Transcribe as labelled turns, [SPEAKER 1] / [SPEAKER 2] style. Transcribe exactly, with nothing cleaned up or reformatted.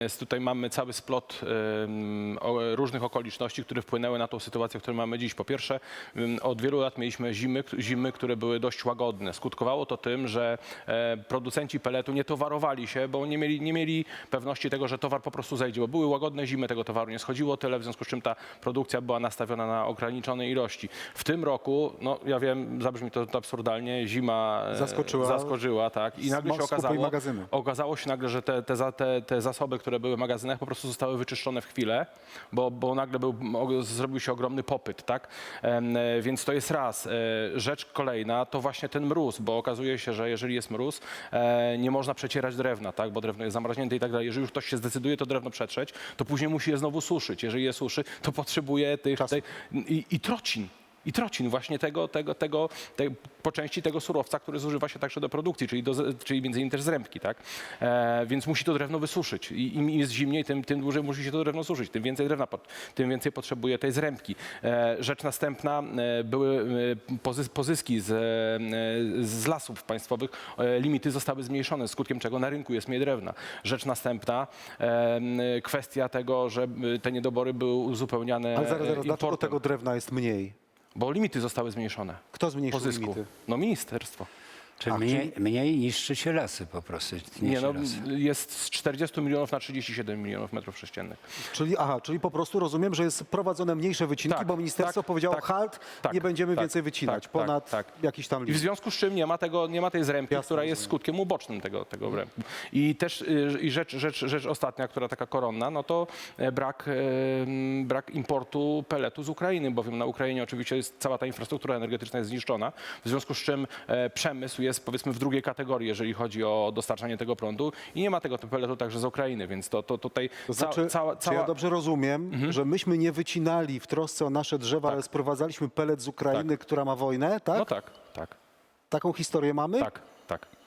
[SPEAKER 1] Jest, tutaj mamy cały splot ym, o, różnych okoliczności, które wpłynęły na tą sytuację, którą mamy dziś. Po pierwsze, ym, od wielu lat mieliśmy zimy, zimy, które były dość łagodne. Skutkowało to tym, że e, producenci peletu nie towarowali się, bo nie mieli, nie mieli pewności tego, że towar po prostu zejdzie, bo były łagodne zimy, tego towaru nie schodziło tyle, w związku z czym ta produkcja była nastawiona na ograniczone ilości. W tym roku, no ja wiem, zabrzmi to, to absurdalnie, zima e,
[SPEAKER 2] Zaskoczyła.
[SPEAKER 1] zaskoczyła, tak, i nagle się
[SPEAKER 2] Skupy
[SPEAKER 1] okazało,
[SPEAKER 2] magazyny.
[SPEAKER 1] okazało się nagle, że te, te, za- te, te zasoby, które były w magazynach, po prostu zostały wyczyszczone w chwilę, bo, bo nagle był, o- zrobił się ogromny popyt, tak? Em, e, Więc to jest raz. E, Rzecz kolejna to właśnie ten mróz, bo okazuje się, że jeżeli jest mróz, e, nie można przecierać drewna, tak? Bo drewno jest zamarznięte i tak dalej. Jeżeli już ktoś się zdecyduje to drewno przetrzeć, to później musi je znowu suszyć. Jeżeli je suszy, to potrzebuje tych,
[SPEAKER 2] Czasu.
[SPEAKER 1] tej, i, i trocin. I trocin, właśnie tego, tego, tego, tej, po części tego surowca, który zużywa się także do produkcji, czyli, do, czyli między innymi też z rębki, tak? E, więc musi to drewno wysuszyć. I im jest zimniej, tym, tym dłużej musi się to drewno suszyć. Tym więcej drewna, pot- tym więcej potrzebuje tej zrębki. E, rzecz następna, e, były e, pozys, pozyski z, e, z lasów państwowych, e, limity zostały zmniejszone, skutkiem czego na rynku jest mniej drewna. Rzecz następna, e, kwestia tego, że e, te niedobory były uzupełniane
[SPEAKER 2] Ale zaraz,
[SPEAKER 1] e,
[SPEAKER 2] zaraz, dlaczego
[SPEAKER 1] importem.
[SPEAKER 2] tego drewna jest mniej?
[SPEAKER 1] Bo limity zostały zmniejszone.
[SPEAKER 2] Kto zmniejszył
[SPEAKER 1] Pozysku.
[SPEAKER 2] limity?
[SPEAKER 1] No ministerstwo.
[SPEAKER 3] Czy
[SPEAKER 2] A,
[SPEAKER 3] mniej, mniej niszczy się lasy po prostu.
[SPEAKER 1] Nie,
[SPEAKER 3] niszczy
[SPEAKER 1] no,
[SPEAKER 3] lasy.
[SPEAKER 1] jest z czterdziestu milionów na trzydzieści siedem milionów metrów sześciennych.
[SPEAKER 2] Czyli, aha, czyli po prostu rozumiem, że jest prowadzone mniejsze wycinki,
[SPEAKER 1] Tak,
[SPEAKER 2] bo ministerstwo
[SPEAKER 1] tak,
[SPEAKER 2] powiedziało
[SPEAKER 1] tak,
[SPEAKER 2] halt,
[SPEAKER 1] tak,
[SPEAKER 2] nie będziemy
[SPEAKER 1] tak,
[SPEAKER 2] więcej wycinać
[SPEAKER 1] tak,
[SPEAKER 2] ponad
[SPEAKER 1] tak, tak.
[SPEAKER 2] jakiś tam
[SPEAKER 1] I w
[SPEAKER 2] limit.
[SPEAKER 1] związku z czym nie ma, tego, nie ma tej zrębki,
[SPEAKER 2] Jasne,
[SPEAKER 1] która jest
[SPEAKER 2] rozumiem.
[SPEAKER 1] skutkiem ubocznym tego, tego wrębku. I też y, i rzecz, rzecz, rzecz ostatnia, która taka koronna, no to e, brak, e, m, brak importu peletu z Ukrainy, bowiem na Ukrainie oczywiście jest cała ta infrastruktura energetyczna jest zniszczona, w związku z czym e, przemysł jest powiedzmy w drugiej kategorii, jeżeli chodzi o dostarczanie tego prądu i nie ma tego peletu także z Ukrainy, więc to, to tutaj
[SPEAKER 2] To
[SPEAKER 1] ca-
[SPEAKER 2] znaczy,
[SPEAKER 1] cała,
[SPEAKER 2] czy
[SPEAKER 1] cała...
[SPEAKER 2] ja dobrze rozumiem, że myśmy nie wycinali w trosce o nasze drzewa, ale sprowadzaliśmy pelet z Ukrainy, która ma wojnę, tak?
[SPEAKER 1] No tak, tak,
[SPEAKER 2] Taką historię mamy?
[SPEAKER 1] tak, tak.